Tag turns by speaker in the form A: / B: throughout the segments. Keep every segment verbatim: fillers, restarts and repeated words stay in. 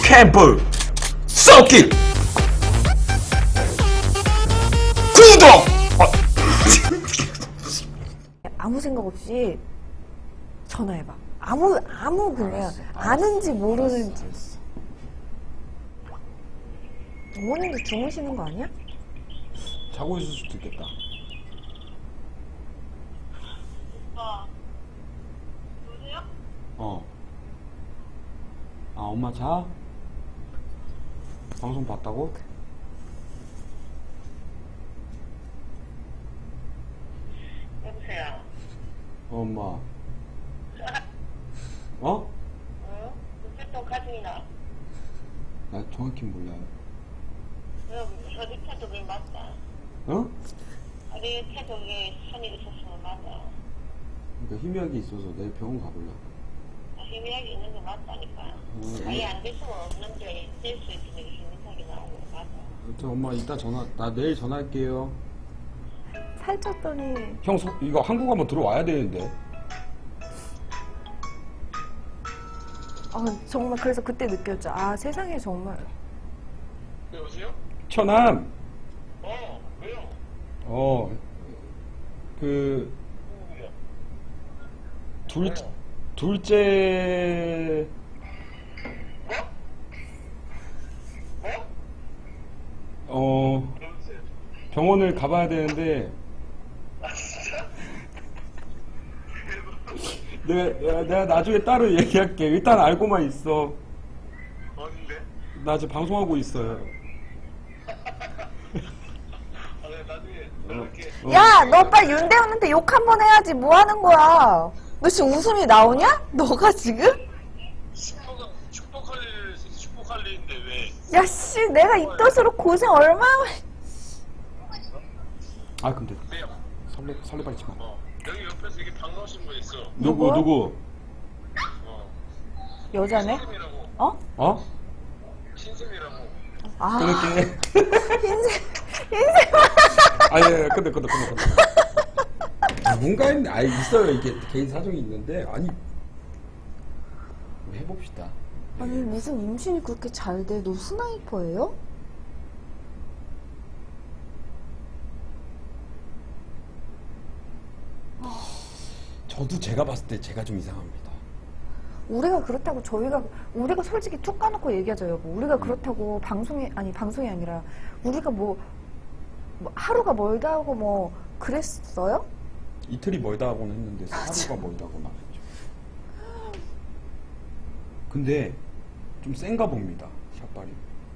A: 캠프 썩기 구독!
B: 아무 생각 없이 전화해봐. 아무 아무 그냥 아는지 모르는지. 어머님도 주무시는 거 아니야?
A: 자고 있을 수도 있겠다.
C: 오빠, 여보세요?
A: 어. 아, 엄마 자? 방송 봤다고?
C: 여보세요?
A: 어, 엄마. 어?
C: 어? 무슨 또 가족이나?
A: 나 정확히 몰라요.
C: 여기 어디 태도가 맞다.
A: 어?
C: 어디 태도에 선이 있었으면 맞아.
A: 그러니까 희미하게 있어서 내일 병원 가보려고.
C: 아, 희미하게 있는 게 맞다니까.
A: 음,
C: 아예 안 될 수가 없는데 될 수 있으면 희미하게 나오는 거 맞아.
A: 저 엄마 이따 전화, 나 내일 전화할게요.
B: 살쪘더니
A: 형, 소, 이거 한국 한번 들어와야 되는데.
B: 아 정말 그래서 그때 느꼈죠. 아 세상에 정말
C: 여보세요?
A: 천암!
C: 어, 왜요?
A: 어, 그,
C: 누구야?
A: 둘, 둘째,
C: 뭐? 뭐?
A: 어,
C: 여보세요?
A: 병원을 가봐야 되는데,
C: 아, 진짜?
A: 내가, 내가 나중에 따로 얘기할게. 일단 알고만 있어.
C: 어딘데?
A: 나 지금 방송하고 있어요.
C: 아, 내가 나중에 연락해.
A: 어.
B: 야 너 빨리 윤대훈한테 욕 한 번 해야지. 뭐 하는 거야? 너 지금 웃음이 나오냐? 너가 지금?
C: 축복, 축복할 일, 축복할 일인데 왜?
B: 야씨 내가 입덧으로 고생 얼마나
A: 아, 근데
C: 왜요?
A: 설레, 설레발치 마.
C: 어, 여기 옆에서 이게 반가우신 분 있어.
A: 누구,
B: 누구?
A: 누구?
C: 어,
B: 여자네?
C: 신샘이라고.
B: 어?
A: 어?
C: 신샘이라고.
B: 아
A: 끊을게.
B: 인생 인생
A: 아, 예, 예, 근데, 근데, 근데, 근데. 아, 뭔가 있네. 아, 있어요. 이게 개인 사정이 있는데. 아니, 우리 해봅시다.
B: 아니 무슨 임신이 그렇게 잘 돼? 너 스나이퍼예요?
A: 저도 제가 봤을 때 제가 좀 이상합니다.
B: 우리가 그렇다고 저희가 우리가 솔직히 툭 까놓고 얘기하죠 여보. 우리가 그렇다고 방송이 아니 방송이 아니라 우리가 뭐, 뭐 하루가 멀다고 뭐 그랬어요?
A: 이틀이 멀다 하고는 했는데 하루가 멀다고는 안 했죠. 근데 좀 센가 봅니다. 샷발이.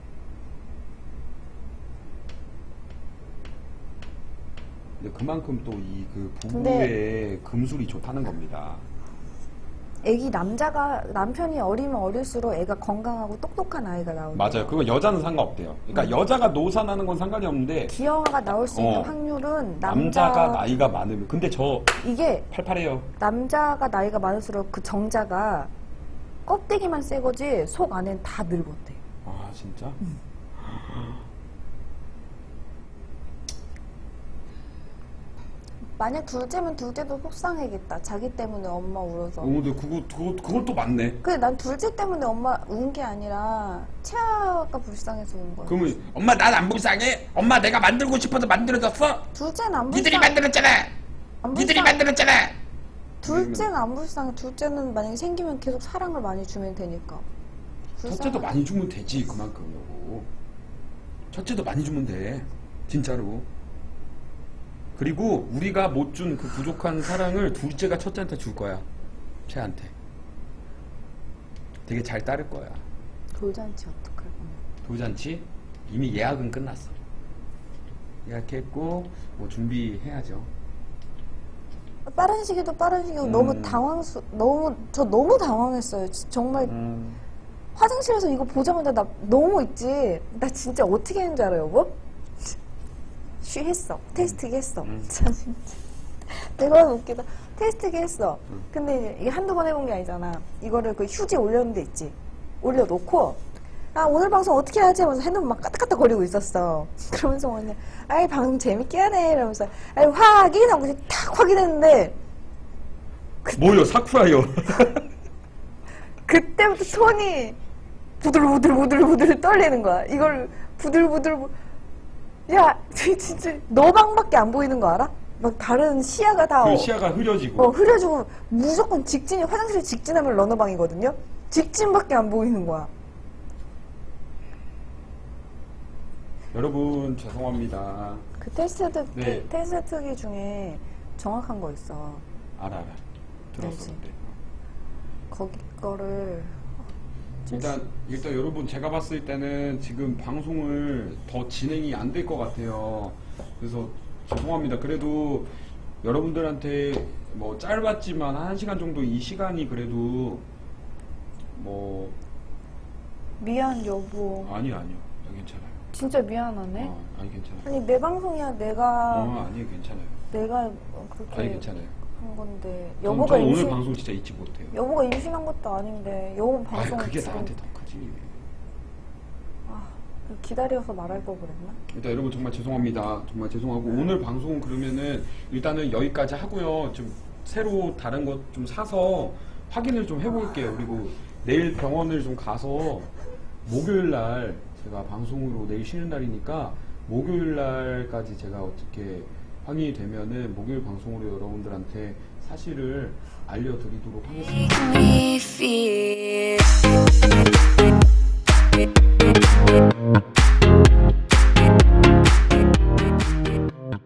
A: 근데 그만큼 또 이 그 부부의 금술이 좋다는 겁니다.
B: 애기 남자가 남편이 어리면 어릴수록 애가 건강하고 똑똑한 아이가 나오는
A: 맞아요. 그거 여자는 상관없대요. 그러니까 여자가 노산하는 건 상관이 없는데
B: 기형아가 나올 수 있는
A: 어.
B: 확률은 남자
A: 남자가 나이가 많으면 근데 저
B: 이게
A: 팔팔해요.
B: 남자가 나이가 많을수록 그 정자가 껍데기만 새 거지 속 안엔 다 늙었대.
A: 아 진짜?
B: 만약 둘째면 둘째도 속상해겠다. 자기 때문에 엄마 울어서.
A: 어, 근데 그거 그거 그것도 맞네.
B: 근데 난 둘째 때문에 엄마 운 게 아니라 채아가 불쌍해서 운 거야.
A: 그러면 엄마 난 안 불쌍해? 엄마 내가 만들고 싶어서 만들어졌어?
B: 둘째는 안
A: 니들이
B: 불쌍.
A: 만들었잖아.
B: 안
A: 니들이
B: 불쌍.
A: 만들었잖아.
B: 둘째는 안 불쌍해. 둘째는 만약에 생기면 계속 사랑을 많이 주면 되니까.
A: 첫째도
B: 불쌍해.
A: 많이 주면 되지 그만큼 여보. 첫째도 많이 주면 돼 진짜로. 그리고 우리가 못 준 그 부족한 사랑을 둘째가 첫째한테 줄 거야. 쟤한테 되게 잘 따를 거야.
B: 돌잔치 어떡할 거야.
A: 돌잔치 이미 예약은 끝났어. 예약했고 뭐 준비해야죠.
B: 빠른 시기도 빠른 시기고
A: 음.
B: 너무 당황스 너무 저 너무 당황했어요. 지- 정말
A: 음.
B: 화장실에서 이거 보자마자 나 너무 있지. 나 진짜 어떻게 했는 줄 알아요, 여보? 쉬했어. 테스트기 했어.
A: 음.
B: 참 진짜. 내가 웃기다. 테스트기 했어. 근데 이게 한두 번 해본 게 아니잖아. 이거를 그 휴지 올려놓은 데 있지. 올려놓고 아 오늘 방송 어떻게 하지? 하면서 핸드폰 막 까딱까딱 거리고 있었어. 그러면서 언니 아이 방송 재밌게 하네 이러면서 아이 확인하고 이제 탁 확인했는데
A: 뭐요 사쿠라요.
B: 그때부터 톤이 부들부들부들부들 떨리는 거야. 이걸 부들부들 야 진짜 너 방밖에 안 보이는 거 알아? 막 다른 시야가 다
A: 그
B: 어,
A: 시야가 흐려지고
B: 어, 흐려지고 무조건 직진이 화장실 직진하면 러너방이거든요. 직진밖에 안 보이는 거야.
A: 여러분 죄송합니다.
B: 그 테스트
A: 네.
B: 테스트기 중에 정확한 거 있어.
A: 알아 알아. 들었어
B: 알지.
A: 근데.
B: 거기 거를
A: 일단 일단 여러분 제가 봤을 때는 지금 방송을 더 진행이 안 될 것 같아요. 그래서 죄송합니다. 그래도 여러분들한테 뭐 짧았지만 한 시간 정도 이 시간이 그래도 뭐
B: 미안 여보.
A: 아니 아니요. 괜찮아요.
B: 진짜 미안하네.
A: 어, 아니 괜찮아요.
B: 아니 내 방송이야. 내가
A: 어 아니 괜찮아요.
B: 내가 그렇게
A: 아니 괜찮아요.
B: 한 건데
A: 전,
B: 여보가
A: 전 오늘
B: 임신
A: 방송 진짜 잊지 못해요.
B: 여보가 임신한 것도 아닌데 여보
A: 아
B: 방송
A: 그게
B: 지금
A: 나한테 더 크지.
B: 아, 기다려서 말할 걸 그랬나?
A: 일단 여러분 정말 죄송합니다. 정말 죄송하고 오늘 방송은 그러면은 일단은 여기까지 하고요. 좀 새로 다른 것 좀 사서 확인을 좀 해볼게요. 그리고 내일 병원을 좀 가서 목요일 날 제가 방송으로 내일 쉬는 날이니까 목요일 날까지 제가 어떻게 확인이 되면은 목요일 방송으로 여러분들한테 사실을 알려드리도록 하겠습니다.